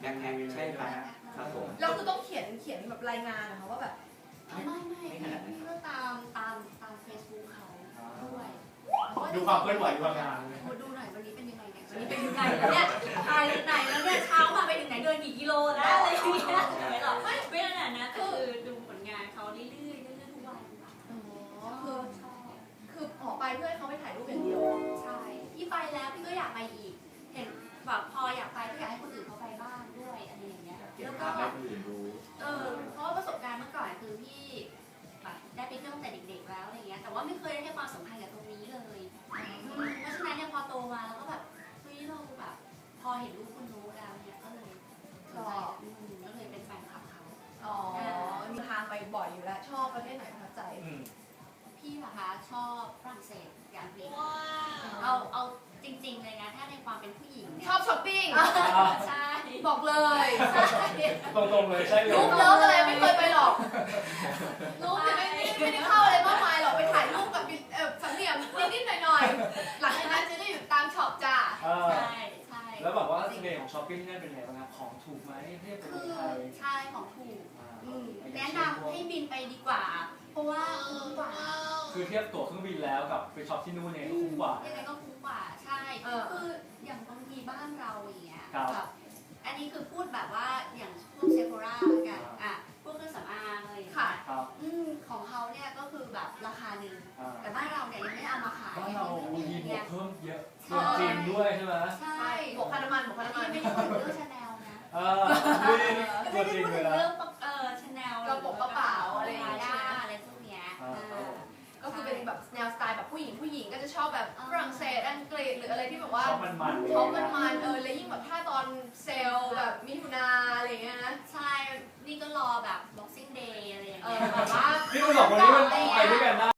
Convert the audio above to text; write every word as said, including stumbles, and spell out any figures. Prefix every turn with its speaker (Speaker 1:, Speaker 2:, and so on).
Speaker 1: แบ็คแพ็คใช่ครับครับผม
Speaker 2: แล้วคือต้องเขียนเขียนแบบรายงานนะคะว่าแบบ
Speaker 3: ไม่ไม่พี่ก็ตามตามตามเฟซบุ๊กเขาด้วย
Speaker 4: ดูความเคลื่อนไหวดูงานเลย
Speaker 3: ดูหน่อยวันนี้เป็นยังไงเนี่ยวันนี้เป็นยังไงเนี่ยตายไหนแล้วเนี่ยเช้ามาไปถึงไหนเดินกี่กิโลแล้วอะไรอย่างเงี้ยไม่หรอกไม่ขนาดนั้นคือดูผลงานเขาเรื่อยๆเรื่อยๆทุกวัน
Speaker 2: อ๋อคือคือออกไปเพื่อให้เขาไปถ่ายรูปอย่างเดียว
Speaker 3: ใช่พี่ไปแล้วพี่ก็อยากไปอีกเห็นแบบพออยากไปก็อยากให้คนอื่นเขาไปบ้างด้วยอะไรอย่างเงี้ย
Speaker 1: เก็บ
Speaker 3: แล้ว
Speaker 1: ภา
Speaker 3: ก็
Speaker 1: พให้คนอื่นดู
Speaker 3: เออเพราะว่าประสบการณ์เมื่อก่อนคือพี่แบบได้ไปเที่ยวตั้งแต่เด็กๆแล้วอะไรเงี้ยแต่ว่าไม่เคยได้ให้ความสำคัญกับตรงนี้เลยเพราะฉะนั้นเนี่ยพอโตมาแล้วก็แบบเฮ้ยเราแบบพอเห็นรูปคุณรู้แล้วเนี่ยก็เลยสนใจก็เลยเป็นแฟนคลับเขา
Speaker 2: อ๋อมีทางไปบ่อยอยู่แล้ว ชอบประเทศไหนประทับใจ
Speaker 3: พี่นะคะชอบฝรั่งเศสอย่างเดียวเอาเอาจริงๆเลยนะถ้าในความเป็นผู้หญิงเนี่ย
Speaker 2: ชอบช้อปปิ้ง
Speaker 3: ใช่
Speaker 2: บอกเลย
Speaker 4: ตรงๆเลยใช่เลย
Speaker 2: รูปเลิฟอะไรไม่เคยไปหรอกรูปเนี่ยไม่ไม่ไม่ได้เข้าอะไรมากมายหรอกไปถ่ายรูปกับเอ่อสามเหลี่ยมนิดๆหน่อยๆหลังจากนั้นจะได้อยู่ตามช็อปจ้า
Speaker 3: ใช่ใช่
Speaker 4: แล้วแบบว่าเสน่ห์ของช้อปปิ้งนี่เป็นไงบ้างครับของถูกไหมเทียบกับ
Speaker 3: คือ
Speaker 4: ไทย
Speaker 3: ใช่ของถูกแนะนำให้บินไปดีกว่า เพราะว่าคุ้มกว่า
Speaker 4: คือเทียบตั๋วเครื่องบินแล้วกับไปช็อปที่นู่นเนี่ยคุ้มกว่า
Speaker 3: ยังไงก็คุ้มกว่าใช่คืออย่างบางทีบ้านเราอย่างเงี้ยแบบอันนี้คือพูดแบบว่าอย่างพวกเซโฟรากันอ่ะพวกเครื่องสำอางอะไรอย่างเงี้ย
Speaker 4: ครับ
Speaker 3: อืมของเขาเนี่ยก็คือแบบราคาหนึ่งแต่บ้านเราเนี่ยยังไม่เอามาขาย
Speaker 4: บ้านเราบางทีบว
Speaker 3: เนี่
Speaker 4: ก
Speaker 3: ย
Speaker 4: เพิ่มเยอะเกินจริงด้วยใช่ไหม
Speaker 3: ใช่
Speaker 2: บวกค่าน้ำมันบวกค่าน้ำมัน
Speaker 3: ไม่ได้พูดถึงเรื่องชาแนลนะ
Speaker 4: เออนี่ตั
Speaker 3: ไม่
Speaker 4: ว
Speaker 3: ได้
Speaker 4: จริง
Speaker 3: พูด
Speaker 4: เล
Speaker 3: ถึ
Speaker 4: ย
Speaker 3: ง
Speaker 4: นะ
Speaker 3: เรื่องเออชาแนล
Speaker 2: กระโปรงกระเป๋าอะไรอย่างเงี้ย
Speaker 3: อะไรพวกเนี้ย
Speaker 2: ก็คือเป็นแบบแนวสไตล์แบบผู้หญิงผู้หญิงก็จะชอบแบบฝรั่งเศสอังกฤษหรืออะไรที่แบบว่า
Speaker 4: ชอบมันๆ
Speaker 2: ชอบมันๆเออแล้วยิ่งแบบถ้าตอนเซลล์แบบมิถุนาอะไรเงี้ยนะ
Speaker 3: ใช่นี่ก็รอแบบ Boxing Day อะไรอย่าง
Speaker 2: เอ
Speaker 3: เงี้
Speaker 2: อย แบบว่า
Speaker 4: นี่มันสองคนนี้มันไปด้วยกันได้